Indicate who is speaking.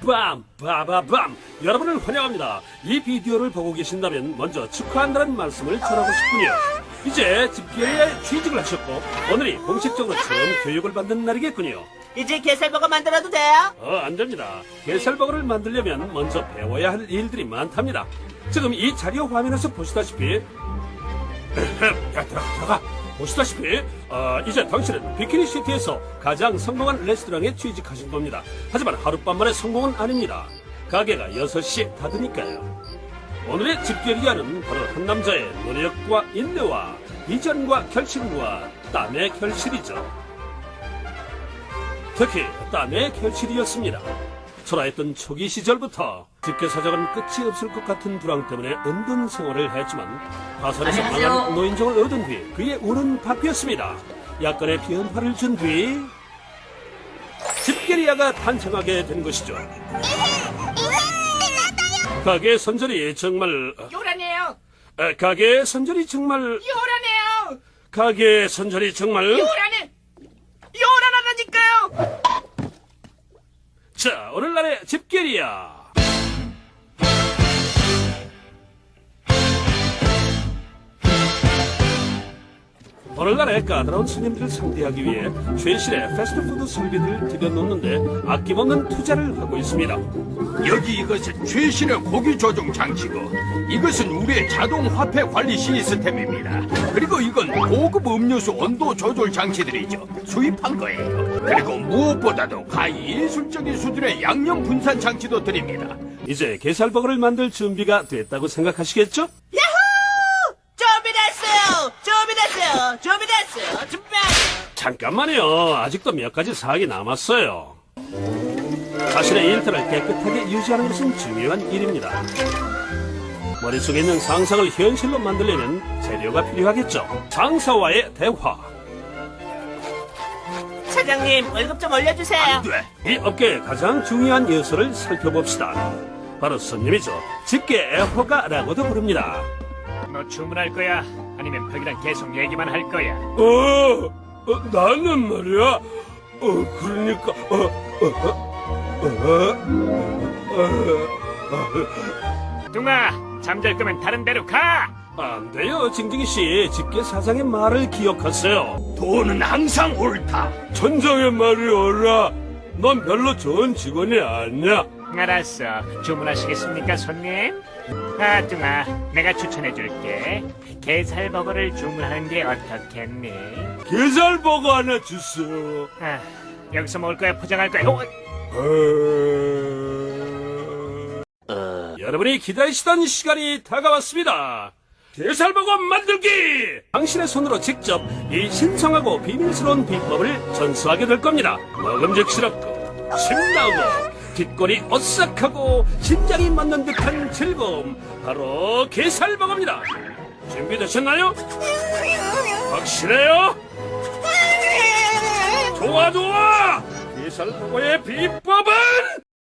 Speaker 1: 빰! 빠바밤! 여러분을 환영합니다. 이 비디오를 보고 계신다면 먼저 축하한다는 말씀을 전하고 싶군요. 이제 집게리에 취직을 하셨고 오늘이 공식적으로 처음 교육을 받는 날이겠군요.
Speaker 2: 이제 게살버거 만들어도 돼요?
Speaker 1: 안 됩니다. 게살버거를 만들려면 먼저 배워야 할 일들이 많답니다. 지금 이 자료 화면에서 보시다시피 들어가. 보시다시피 이제 당신은 비키니시티에서 가장 성공한 레스토랑에 취직하신 겁니다. 하지만 하룻밤만의 성공은 아닙니다. 가게가 6시 닫으니까요. 오늘의 집게리아는 바로 한 남자의 노력과 인내와 비전과 결심과 땀의 결실이죠. 특히 땀의 결실이었습니다. 초라했던 초기 시절부터 집게사장은 끝이 없을 것 같은 불황 때문에 은둔 생활을 했지만 파산에서 강한 노인정을 얻은 뒤 그의 운은 바뀌었습니다. 약간의 변화를 준 뒤 집게리아가 탄생하게 된 것이죠. 가게 선전이 정말
Speaker 2: 요란해요.
Speaker 1: 가게 선전이 정말
Speaker 2: 요란해요.
Speaker 1: 가게 선전이 정말
Speaker 2: 요란해. 요란하다니까요.
Speaker 1: 자, 오늘날의 집게리아. 오늘날의 까다로운 손님들을 상대하기 위해 최신의 패스트푸드 설비들을 들여놓는데 아낌없는 투자를 하고 있습니다.
Speaker 3: 여기 이것은 최신의 고기 조종 장치고 이것은 우리의 자동 화폐 관리 시스템입니다. 그리고 이건 고급 음료수 온도 조절 장치들이죠. 수입한 거예요. 그리고 무엇보다도 가히 예술적인 수준의 양념 분산 장치도 드립니다.
Speaker 1: 이제 게살버거를 만들 준비가 됐다고 생각하시겠죠?
Speaker 2: 야호! 준비됐어요.
Speaker 1: 잠깐만요. 아직도 몇 가지 사항이 남았어요. 자신의 일터를 깨끗하게 유지하는 것은 중요한 일입니다. 머릿속에 있는 상상을 현실로 만들려면 재료가 필요하겠죠. 상사와의 대화.
Speaker 2: 사장님, 월급 좀 올려주세요.
Speaker 3: 안 돼.
Speaker 1: 이 업계의 가장 중요한 요소를 살펴봅시다. 바로 손님이죠. 집게 애호가라고도 부릅니다.
Speaker 4: 너 주문할 거야? 아니면 벽이랑 계속 얘기만 할 거야?
Speaker 1: 나는 말이야. 그러니까,
Speaker 4: 뚱아, 잠잘 거면 다른 데로 가!
Speaker 1: 안 돼요, 징징이 씨. 집게 사장의 말을 기억하세요.
Speaker 3: 돈은 항상 옳다.
Speaker 1: 천장의 말이 옳아. 넌 별로 좋은 직원이 아니야.
Speaker 4: 알았어. 주문하시겠습니까, 손님? 뚱아, 내가 추천해줄게. 게살버거를 주문하는 게 어떻겠니?
Speaker 1: 게살버거 하나 주세요.
Speaker 4: 여기서 먹을 거야, 포장할 거야?
Speaker 1: 여러분이 기다리시던 시간이 다가왔습니다. 게살버거 만들기! 당신의 손으로 직접 이 신성하고 비밀스러운 비법을 전수하게 될 겁니다. 먹음직스럽고 신나고 뒷골이 오싹하고 심장이 맞는 듯한 즐거움, 바로 게살버거입니다. 준비되셨나요? 확실해요? 좋아! 게살버거의 비법은